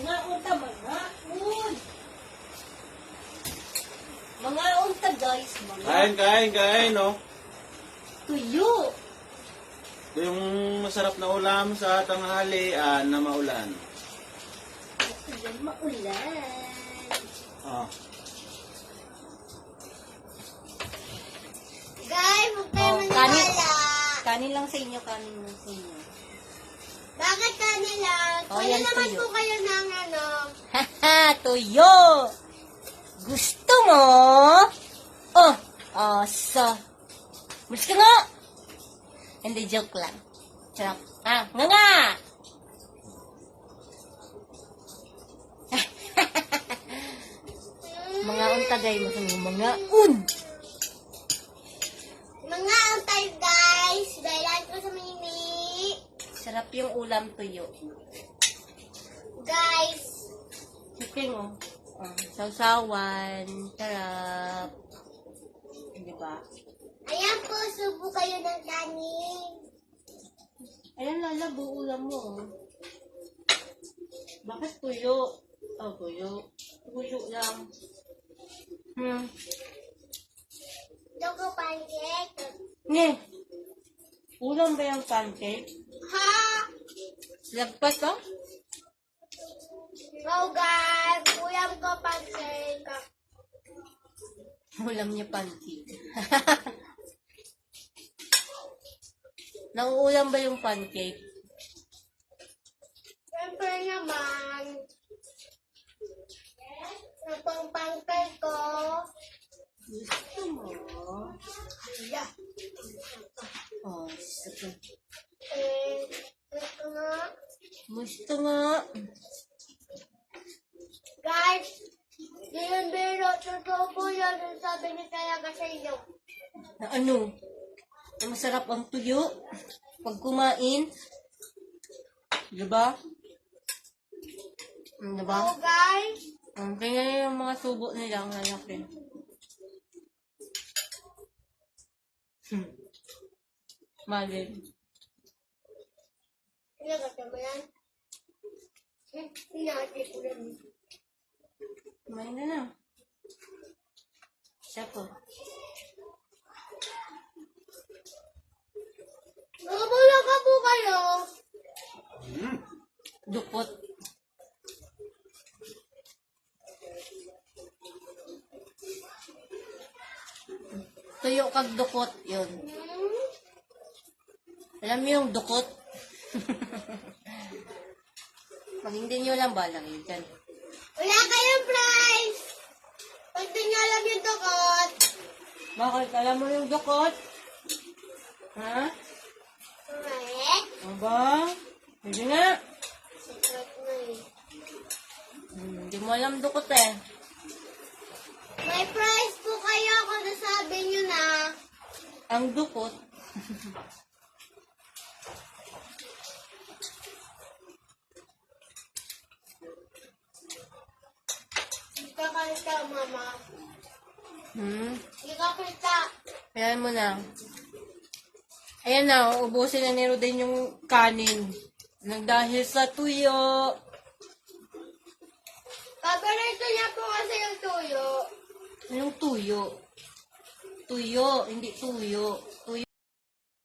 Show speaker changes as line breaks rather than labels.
Mga unta, mga un. Mga unta, guys. Mga
Kain, no?
tuyo.
Ito yung masarap na ulam sa tanghalian na maulan.
Ayan, maulan.
Oh.
Guys, huwag kayo
Kanin.
maniwala.
Kanin lang sa inyo, kanin lang sa inyo.
Bakit kanila?
Oh,
Kuya
yan,
naman
tuyo.
po kayo ng ano.
Haha, tuyo. Gusto mo? Oh, so. Malis ka nga. Hindi, joke lang. Sarap. Ah, nga. Mga untagay mo sa mga un.
Mga antay guys. Dahil ko sa mimi.
Sarap yung ulam tuyo.
Guys.
Chicken, oh. Sausawan. Sarap. Di ba?
Ayan po, subo kayo ng kanin.
Ayan, lalabo ulam mo. Oh. Bakit tuyo? Oh, tuyo. Tuyo lang.
Choco pancake.
Nye. Ulam ba yung pancake?
Ha?
Lagpas ka?
Oh guys, ulam ko pancake.
Ulam niya pancake. Nauulam ba yung pancake?
Siyempre naman. Ito pang pancake ko.
Gusto mo?
Yeah.
Oh, sige.
Ito nga.
Gusto nga.
Guys, yun biro, totoo po yan. Yung sabi ni talaga sa inyo.
Na ano? Na masarap ang tuyo. Pag kumain. Diba? Diba?
Oh guys.
Tingnan yung mga subo nila. Ang lalaki. Malin.
Pinagata mo yan? Pinagata ko yan.
Kumain na na. Siya po.
Nakabula ka po kayo.
Dukot. Tuyo kag dukot. Yun. Alam mo yung dukot? Pag hindi nyo lang balang yun dyan.
Wala kayong prize. Pag di nyo alam yung tukot.
Bakit? Alam mo yung dukot? Ha?
Correct.
Aba? Hindi nga.
Secret na eh.
Hindi mo alam dukot eh.
May prize po kayo kung nasabi nyo na.
Ang dukot.
Ikakanta, mama. Ikakanta.
Ayan mo na. Ayan na, ubusin na ni Roden yung kanin. Nang dahil sa tuyo.
Paborito niya po kasi yung tuyo.
Anong tuyo? Tuyo, hindi tuyo. Tuyo.